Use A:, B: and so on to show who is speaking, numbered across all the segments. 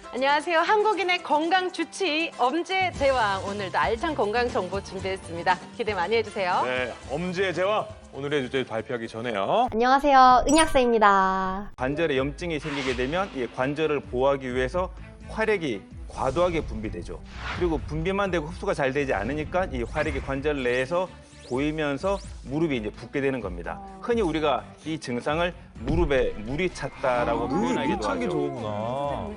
A: 안녕하세요. 한국인의 건강 주치 엄지의 제왕. 오늘도 알찬 건강 정보 준비했습니다. 기대 많이 해주세요.
B: 네, 엄지의 제왕. 오늘의 주제 발표하기 전에요.
C: 안녕하세요. 은약사입니다.
D: 관절에 염증이 생기게 되면 이 관절을 보호하기 위해서 활액이 과도하게 분비되죠. 그리고 분비만 되고 흡수가 잘 되지 않으니까 이 활액이 관절 내에서 고이면서 무릎이 이제 붓게 되는 겁니다. 흔히 우리가 이 증상을 무릎에 물이 찼다라고 표현하기도 하죠.
B: 좋구나.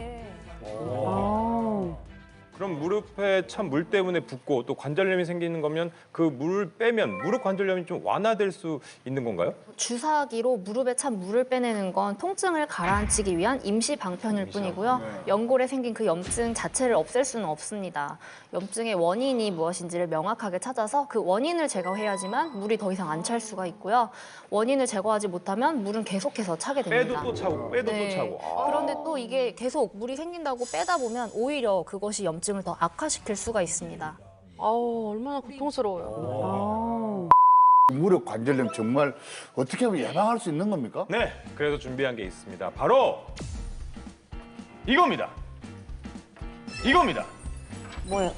B: 그럼 무릎에 찬 물 때문에 붓고 또 관절염이 생기는 거면 그 물을 빼면 무릎 관절염이 좀 완화될 수 있는 건가요?
C: 주사기로 무릎에 찬 물을 빼내는 건 통증을 가라앉히기 위한 임시 방편일 뿐이고요. 연골에 생긴 그 염증 자체를 없앨 수는 없습니다. 염증의 원인이 무엇인지를 명확하게 찾아서 그 원인을 제거해야지만 물이 더 이상 안 찰 수가 있고요. 원인을 제거하지 못하면 물은 계속해서 차게 됩니다.
B: 빼도 또 차고 빼도 또 차고.
C: 그런데 또 이게 계속 물이 생긴다고 빼다 보면 오히려 그것이 염증을 더 악화시킬 수가 있습니다.
A: 아우, 얼마나 고통스러워요.
E: 무릎 관절염 정말 어떻게 하면 예방할 수 있는 겁니까?
B: 네, 그래서 준비한 게 있습니다. 바로 이겁니다. 이겁니다.
F: 뭐예요?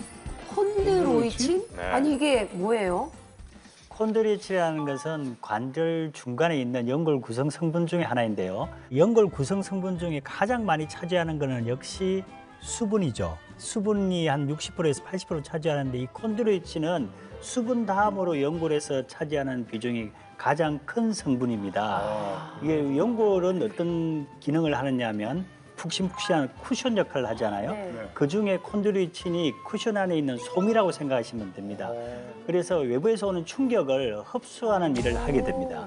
F: 콘드로이친?
B: 네.
F: 아니 이게 뭐예요?
G: 콘드로이친이라는 것은 관절 중간에 있는 연골 구성 성분 중에 하나인데요. 연골 구성 성분 중에 가장 많이 차지하는 것은 역시 수분이죠. 수분이 한 60%에서 80% 차지하는데 이 콘드로이친은 수분 다음으로 연골에서 차지하는 비중이 가장 큰 성분입니다. 이게 연골은 어떤 기능을 하느냐 하면 푹신푹신한 쿠션 역할을 하잖아요.
F: 네.
G: 그중에 콘드로이친이 쿠션 안에 있는 솜이라고 생각하시면 됩니다. 그래서 외부에서 오는 충격을 흡수하는 일을 하게 됩니다.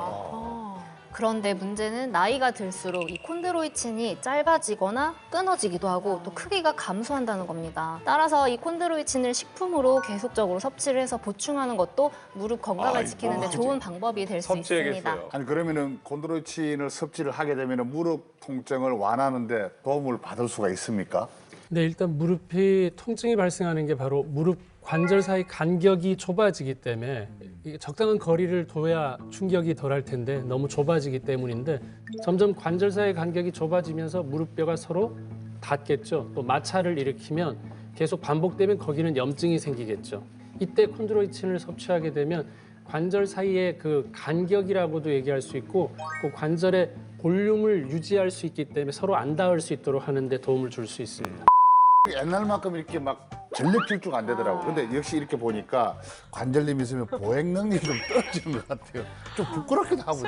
C: 그런데 문제는 나이가 들수록 이 콘드로이친이 짧아지거나 끊어지기도 하고 또 크기가 감소한다는 겁니다. 따라서 이 콘드로이친을 식품으로 계속적으로 섭취를 해서 보충하는 것도 무릎 건강을 지키는 데 좋은 방법이 될 수 있습니다.
B: 섭취해야겠어요.
E: 아니 그러면은 콘드로이친을 섭취를 하게 되면은 무릎 통증을 완화하는데 도움을 받을 수가 있습니까?
H: 네, 일단 무릎이 통증이 발생하는 게 바로 무릎 관절 사이 간격이 좁아지기 때문에 이게 적당한 거리를 둬야 충격이 덜할 텐데 너무 좁아지기 때문인데 점점 관절 사이 간격이 좁아지면서 무릎뼈가 서로 닿겠죠. 또 마찰을 일으키면 계속 반복되면 거기는 염증이 생기겠죠. 이때 콘드로이친을 섭취하게 되면 관절 사이의 그 간격이라고도 얘기할 수 있고 그 관절의 볼륨을 유지할 수 있기 때문에 서로 안 닿을 수 있도록 하는 데 도움을 줄 수 있습니다.
E: 옛날만큼 이렇게 막 전력 질주가 안 되더라고요. 근데 역시 이렇게 보니까 관절염이 있으면 보행 능력이 좀 떨어지는 것 같아요. 좀 부끄럽기도 하고요.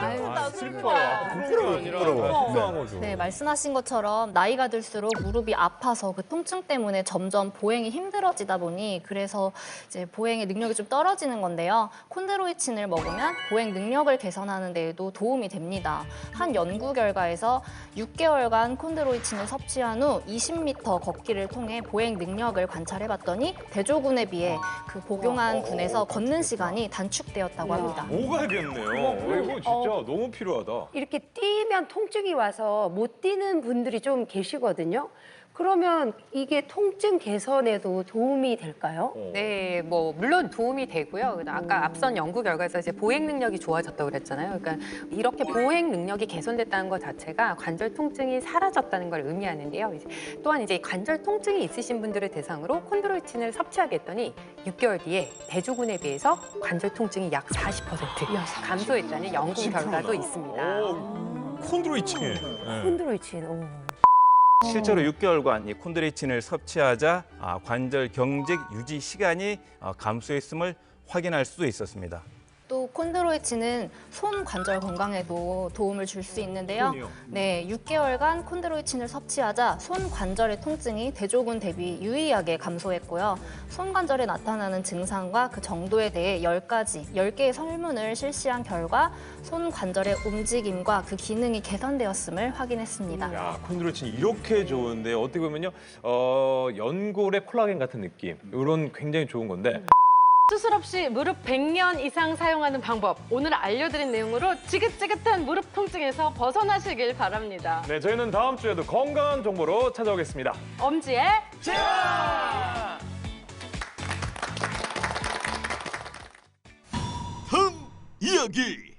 E: 부끄러워.
C: 네, 말씀하신 것처럼 나이가 들수록 무릎이 아파서 그 통증 때문에 점점 보행이 힘들어지다 보니 그래서 이제 보행의 능력이 좀 떨어지는 건데요. 콘드로이친을 먹으면 보행 능력을 개선하는 데에도 도움이 됩니다. 한 연구 결과에서 6개월간 콘드로이친을 섭취한 후 20m 걷기를 통해 보행 능력을 관찰해봤더니 대조군에 비해 그 복용한 군에서 걷는 시간이 단축되었다고 합니다.
B: 오가겠네요. 이거 진짜 너무 필요하다.
F: 이렇게 뛰면 통증이 와서 못 뛰는 분들이 좀 계시거든요. 그러면 이게 통증 개선에도 도움이 될까요?
I: 네, 뭐 물론 도움이 되고요. 아까 앞선 연구 결과에서 이제 보행 능력이 좋아졌다고 그랬잖아요. 그러니까 이렇게 보행 능력이 개선됐다는 것 자체가 관절 통증이 사라졌다는 걸 의미하는데요. 또한 이제 관절 통증이 있으신 분들을 대상으로 콘드로이친을 섭취하게 했더니 6개월 뒤에 대조군에 비해서 관절 통증이 약 40% 감소했다는 연구 결과도 있습니다.
B: 콘드로이친.
F: 콘드로이친.
D: 실제로 6개월간 이 콘드로이친을 섭취하자 관절 경직 유지 시간이 감소했음을 확인할 수도 있었습니다.
C: 또 콘드로이친은 손 관절 건강에도 도움을 줄 수 있는데요. 네, 6개월간 콘드로이친을 섭취하자 손 관절의 통증이 대조군 대비 유의하게 감소했고요. 손 관절에 나타나는 증상과 그 정도에 대해 10개의 설문을 실시한 결과 손 관절의 움직임과 그 기능이 개선되었음을 확인했습니다.
B: 야, 콘드로이친 이렇게 좋은데 어떻게 보면요, 연골의 콜라겐 같은 느낌. 이런 굉장히 좋은 건데.
A: 수술 없이 무릎 100년 이상 사용하는 방법. 오늘 알려드린 내용으로 지긋지긋한 무릎 통증에서 벗어나시길 바랍니다.
B: 네, 저희는 다음 주에도 건강한 정보로 찾아오겠습니다.
A: 엄지의
B: 제왕!
J: 다음 이야기.